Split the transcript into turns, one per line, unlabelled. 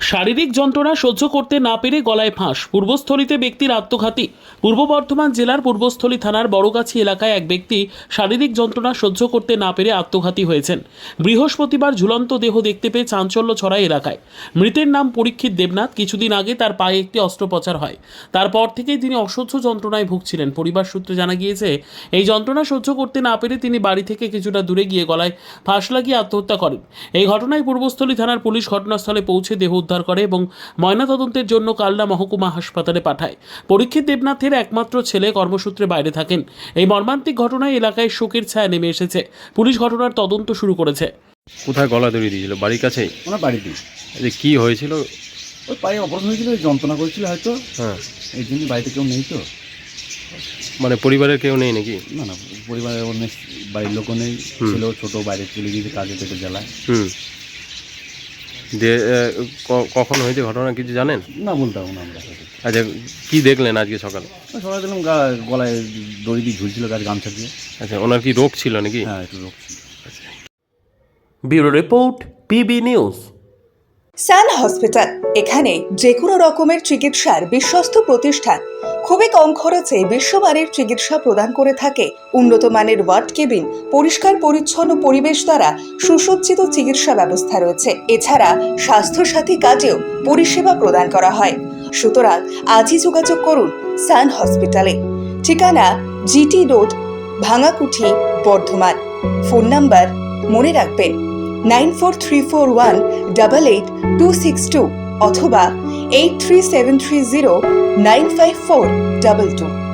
শারীরিক যন্ত্রণা সহ্য করতে না পেরে গলায় ফাঁস, পূর্বস্থলীতে ব্যক্তির আত্মঘাতী। পূর্ব বর্ধমান জেলার পূর্বস্থলী থানার বড়গাছি এলাকায় এক ব্যক্তি শারীরিক যন্ত্রণা সহ্য করতে না পেরে আত্মঘাতী হয়েছেন। বৃহস্পতিবার ঝুলন্ত দেহ দেখতে পেয়ে চাঞ্চল্য ছড়ায় এলাকায়। মৃতের নাম পরীক্ষিত দেবনাথ। কিছুদিন আগে তার পায়ে একটি অস্ত্রোপচার হয়। তারপর থেকেই তিনি অসহ্য যন্ত্রণায় ভুগছিলেন। পরিবার সূত্রে জানা গিয়েছে, এই যন্ত্রণা সহ্য করতে না পেরে তিনি বাড়ি থেকে কিছুটা দূরে গিয়ে গলায় ফাঁস লাগিয়ে আত্মহত্যা করেন। এই ঘটনায় পূর্বস্থলী থানার পুলিশ ঘটনাস্থলে পৌঁছে দেহ উদ্ধার করে এবং ময়নাতদন্তের জন্য কালনা মহকুমা হাসপাতালে পাঠায়। পরীক্ষিত দেবনাথের একমাত্র ছেলে কর্মসূত্রে বাইরে থাকেন। এই মর্মান্তিক ঘটনায় এলাকায় শোকের ছায়া নেমে এসেছে। পুলিশ ঘটনার তদন্ত শুরু করেছে।
কোথায় গলা দড়ি দিয়েছিল? বাড়ির কাছেই?
ওনার বাড়িতেই।
যে কি হয়েছিল?
ওই পায়ে অপারেশন হয়েছিল, ওই যন্ত্রণা করেছিল হয়তো।
হ্যাঁ,
এই জন্য বাড়িতে কেউ নেই তো।
মানে পরিবারের কেউ নেই নাকি?
না না, পরিবারের অনেক বাড়ির লোকও নেই। ছেলেও ছোটো, বাইরে চলে গিয়েছে কাজে, পেটে জ্বালায়।
যে কখন হয়েছে ঘটনা কিছু জানেন?
না, বলতে পারবো না আমরা।
আচ্ছা, কি দেখলেন আজকে সকালে?
সবাই দেখলাম গলায় দড়ি দিয়ে ঝুলছিল, গামছা দিয়ে।
আচ্ছা, ওনার কি রোগ ছিল নাকি?
হ্যাঁ, একটু রোগ ছিল।
Bureau report, PB news.
Sun hospital, এখানে যে কোনো রকমের চিকিৎসার বিশ্বস্ত প্রতিষ্ঠান। খুবই কম খরচে বিশ্বমানের চিকিৎসা প্রদান করে থাকে। উন্নত মানের ওয়ার্ড কেবিন, পরিষ্কার পরিচ্ছন্ন পরিবেশ দ্বারা সুসজ্জিত চিকিৎসা ব্যবস্থা রয়েছে। এছাড়া স্বাস্থ্যসাথী কাজেও পরিষেবা প্রদান করা হয়। সুতরাং আজই যোগাযোগ করুন সান হসপিটালে। ঠিকানা GT road, Bhangakuthi, Bardhaman. Phone number মনে রাখবেন 9434188262 অথবা 83730954222।